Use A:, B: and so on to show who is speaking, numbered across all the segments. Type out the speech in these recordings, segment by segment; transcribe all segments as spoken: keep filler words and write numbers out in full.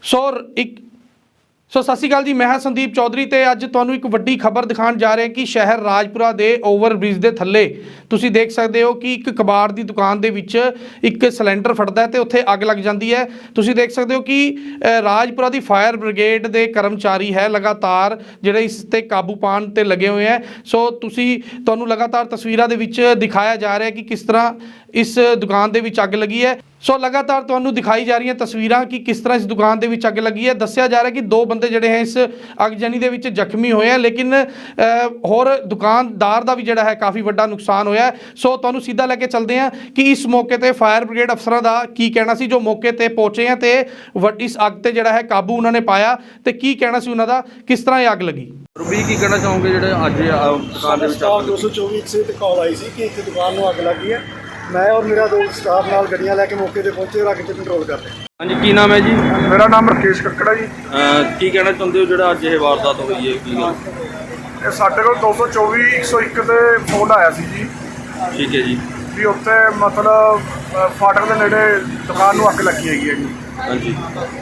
A: ਸੋ ਇੱਕ ਸੋ ਸਤਿ ਸ਼੍ਰੀ ਅਕਾਲ ਜੀ, ਮੈਂ ਹਾਂ ਸੰਦੀਪ ਚੌਧਰੀ ਤੇ ਅੱਜ ਤੁਹਾਨੂੰ ਇੱਕ ਵੱਡੀ ਖਬਰ ਦਿਖਾਉਣ ਜਾ ਰਹੇ ਕਿ ਸ਼ਹਿਰ ਰਾਜਪੁਰਾ ਦੇ ਓਵਰਬ੍ਰਿਜ ਦੇ ਥੱਲੇ ਤੁਸੀਂ ਦੇਖ ਸਕਦੇ ਹੋ ਕਿ ਇੱਕ ਕਬਾੜ ਦੀ ਦੁਕਾਨ ਦੇ ਵਿੱਚ ਇੱਕ ਸਿਲੰਡਰ ਫਟਦਾ ਤੇ ਉੱਥੇ ਅੱਗ ਲੱਗ ਜਾਂਦੀ ਹੈ। ਤੁਸੀਂ ਦੇਖ ਸਕਦੇ ਹੋ ਕਿ ਰਾਜਪੁਰਾ ਦੀ ਫਾਇਰ ਬ੍ਰਿਗੇਡ ਦੇ ਕਰਮਚਾਰੀ ਹੈ ਲਗਾਤਾਰ ਜਿਹੜੇ ਇਸ ਤੇ ਕਾਬੂ ਪਾਉਣ ਤੇ ਲੱਗੇ ਹੋਏ ਹੈ। ਸੋ ਤੁਸੀਂ ਤੁਹਾਨੂੰ ਲਗਾਤਾਰ ਤਸਵੀਰਾਂ ਦੇ ਵਿੱਚ ਦਿਖਾਇਆ ਜਾ ਰਿਹਾ ਕਿ ਕਿਸ ਤਰ੍ਹਾਂ ਇਸ ਦੁਕਾਨ ਦੇ ਵਿੱਚ ਅੱਗ ਲੱਗੀ ਹੈ। ਸੋ ਲਗਾਤਾਰ ਤੁਹਾਨੂੰ ਦਿਖਾਈ ਜਾ ਰਹੀਆਂ ਤਸਵੀਰਾਂ ਕਿ ਕਿਸ ਤਰ੍ਹਾਂ ਇਸ ਦੁਕਾਨ ਦੇ ਵਿੱਚ ਅੱਗ ਲੱਗੀ ਹੈ। ਦੱਸਿਆ ਜਾ ਰਿਹਾ ਕਿ ਦੋ ਬੰਦੇ ਜਿਹੜੇ ਹੈ ਇਸ ਅਗਜਨੀ ਦੇ ਵਿੱਚ ਜ਼ਖਮੀ ਹੋਏ ਆ, ਲੇਕਿਨ ਹੋਰ ਦੁਕਾਨਦਾਰ ਦਾ ਵੀ ਜਿਹੜਾ ਹੈ ਕਾਫੀ ਵੱਡਾ ਨੁਕਸਾਨ ਹੋਇਆ। ਸੋ ਤੁਹਾਨੂੰ ਸਿੱਧਾ ਲੈ ਕੇ ਚੱਲਦੇ ਹਾਂ ਕਿ ਇਸ ਮੌਕੇ ਤੇ ਫਾਇਰ ਬ੍ਰਿਗੇਡ ਅਫਸਰਾਂ ਦਾ ਕੀ ਕਹਿਣਾ ਸੀ ਜੋ ਮੌਕੇ ਤੇ ਪਹੁੰਚੇ ਆ ਤੇ ਇਸ ਅੱਗ ਤੇ ਜਿਹੜਾ ਹੈ ਕਾਬੂ ਉਹਨਾਂ ਨੇ ਪਾਇਆ ਤੇ ਕੀ ਕਹਿਣਾ ਸੀ ਉਹਨਾਂ ਦਾ, ਕਿਸ ਤਰ੍ਹਾਂ ਇਹ ਅੱਗ ਲੱਗੀ।
B: ਰੂਬੀ ਕੀ ਕਹਿਣਾ ਚਾਹੋਗੇ ਜਿਹੜੇ ਅੱਜ ਦੁਕਾਨ ਦੇ ਵਿੱਚ
C: ਦੋ ਸੌ ਚੌਵੀ ਸੇ ਤੇ ਕਾਲ ਆਈ ਸੀ ਕਿ ਇੱਥੇ ਦੁਕਾਨ ਨੂੰ ਅੱਗ ਲੱਗੀ ਹੈ। ਮੈਂ ਔਰ ਮੇਰਾ ਦੋਸਤ ਸਟਾਫ ਨਾਲ ਗੱਡੀਆਂ ਲੈ ਕੇ ਮੌਕੇ ਤੇ ਪਹੁੰਚੇ ਔਰ ਅੱਗ ਤੇ ਕੰਟਰੋਲ ਕਰ ਰਹੇ।
B: ਹਾਂਜੀ, ਕੀ ਨਾਮ ਹੈ ਜੀ?
C: ਮੇਰਾ ਨਾਮ ਰਕੇਸ਼ ਕੱਕੜਾ ਜੀ।
B: ਕੀ ਕਹਿਣਾ ਚਾਹੁੰਦੇ ਹੋ ਜਿਹੜਾ ਅੱਜ ਇਹ ਵਾਰਦਾਤ ਹੋਈ ਹੈ? ਕੀ ਗੱਲ?
C: ਇਹ ਸਾਡੇ ਕੋਲ ਦੋ ਸੌ ਚੌਵੀ ਇੱਕ ਸੌ ਇੱਕ ਤੇ ਫੋਨ ਆਇਆ ਸੀ ਜੀ।
B: ਠੀਕ ਹੈ ਜੀ।
C: ਵੀ ਉੱਥੇ ਮਤਲਬ ਫਾਟਕ ਦੇ ਨੇੜੇ ਦੁਕਾਨ ਨੂੰ ਅੱਗ ਲੱਗੀ ਹੈਗੀ ਹੈ ਜੀ।
B: ਹਾਂਜੀ,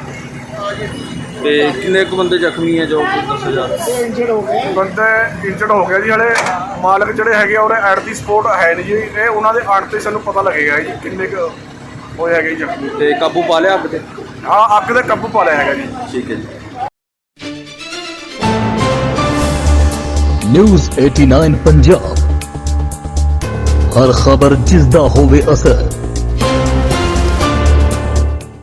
B: ਤੇ ਕਿੰਨੇ ਕੁ ਬੰਦੇ ਜ਼ਖਮੀ ਹੈ ਜੋ ਦੱਸਿਆ ਜਾ ਰਿਹਾ?
C: ਇੰਜਰਡ ਹੋ ਗਏ ਬੰਦੇ ਇੰਜਰਡ ਹੋ ਗਿਆ ਜੀ। ਹਲੇ ਮਾਲਕ ਜਿਹੜੇ ਹੈਗੇ ਉਹਦੇ ਐਟ ਦੀ ਸਪੋਰਟ ਹੈ ਨਹੀਂ ਜੀ। ਇਹ ਉਹਨਾਂ ਦੇ ਆਣ ਤੇ ਸਾਨੂੰ ਪਤਾ ਲੱਗੇਗਾ ਜੀ ਕਿੰਨੇ ਕੁ ਹੋਏ ਹੈਗੇ ਜ਼ਖਮੀ।
B: ਤੇ ਕਾਬੂ ਪਾ ਲਿਆ ਅੱਗ ਤੇ?
C: ਹਾਂ, ਅੱਗ ਦੇ ਕਾਬੂ ਪਾ ਲਿਆ ਹੈਗਾ ਜੀ।
B: ਠੀਕ ਹੈ ਜੀ।
D: ਨਿਊਜ਼ ਏਟੀ ਨਾਈਨ ਪੰਜਾਬ, ਹਰ ਖਬਰ ਜਿਸ ਦਾ ਹੋਵੇ ਅਸਰ।